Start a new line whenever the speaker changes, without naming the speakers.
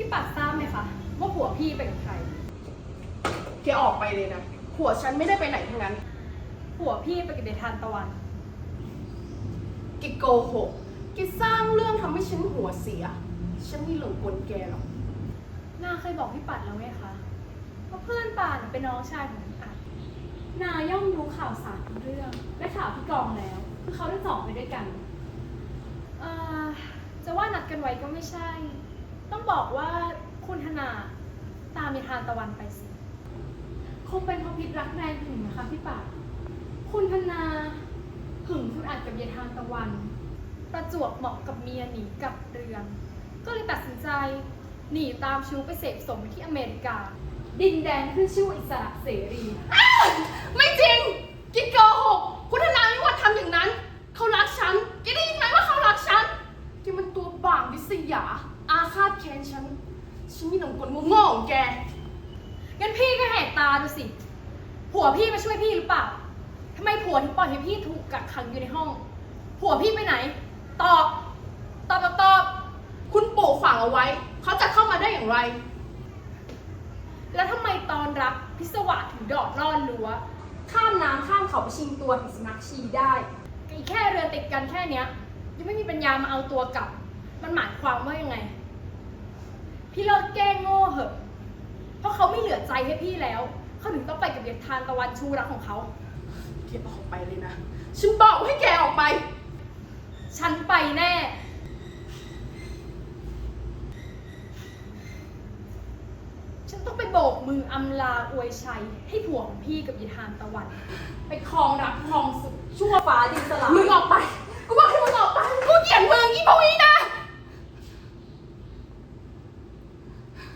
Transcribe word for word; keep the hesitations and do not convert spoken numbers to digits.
ปัดทราบไหมคะว่าผัวพี่ไปกับใคร
แกออกไปเลยนะผัวฉันไม่ได้ไปไหนทั้งนั้น
ผัวพี่ไปกับเดชทานตะวัน
แกโกหกแกสร้างเรื่องทำให้ฉันหัวเสียฉันไม่หลงกลแกหรอก
นาเคยบอกพี่ปัดแล้วไหมคะว่าเพื่อนป่านเป็นน้องชายของพี่ปัดนาย่อมรู้ข่าวสารทุกเรื่องและข่าวพี่กองแล้วคือเขาได้สองไปด้วยกันเอ่อจะว่านัดกันไว้ก็ไม่ใช่ ต้องบอกว่าคุณธนาตามเดชทานตะวันไปสิคงเป็นเพราะพิษรักแรงหึงนะคะพี่ปัดคุณธนาหึงคุณอาจกับเยายทานตะวันประจวบเหมาะกับเมียหนีกับเรืองก็เลยตัดสินใจหนีตามชู้ไปเสพสมที่อเมริกา ดินแดนขึ้นชื่อว่าอิสระเสรี
ไม่จริงแกโกหกคุณธนาไม่ว่าทำอย่างนั้นเขารักฉันแกได้ยินไหมว่าเขารักฉันแกมันตัวบ่างดิษยาอาฆาตแค้นฉันฉันไม่หลงกลโง่ๆของแก
งั้นพี่ก็แหกตาดูสิผัวพี่มาช่วยพี่หรือเปล่าทำไมผัวถึงปล่อยให้พี่ถูกกักขังอยู่ในห้องผัวพี่ไปไหนตอบตอบตอบตอบ
คุณปู่ฝังเอาไว้เขาจะเข้ามาได้อย่างไร
แล้วทำไมตอนรับพิศวาสถึงดอดร่อนรั้วข้ามน้ำข้ามเขาไปชิงตัวถึงสำนักชีได้อีกแค่เรือติดกันแค่เนี้ยยังไม่มีปัญญามาเอาตัวกลับมันหมายความว่ายังไงพี่เลิกแกล้งโง่เหอะเพราะเขาไม่เหลือใจให้พี่แล้วเขาถึงต้องไปกับเด็กทานตะวันชูรักของเขา
แกออกไปเลยนะฉันบอกให้แกออกไป
ฉันไปแน่ฉันต้องไปโบกมืออำลาอวยชัยให้ผัวของพี่กับยายทานตะวันไปครองรักครองสุขชั่วฟ้าดินสลาย
มึงออกไปกูบอกให้มึงออกไป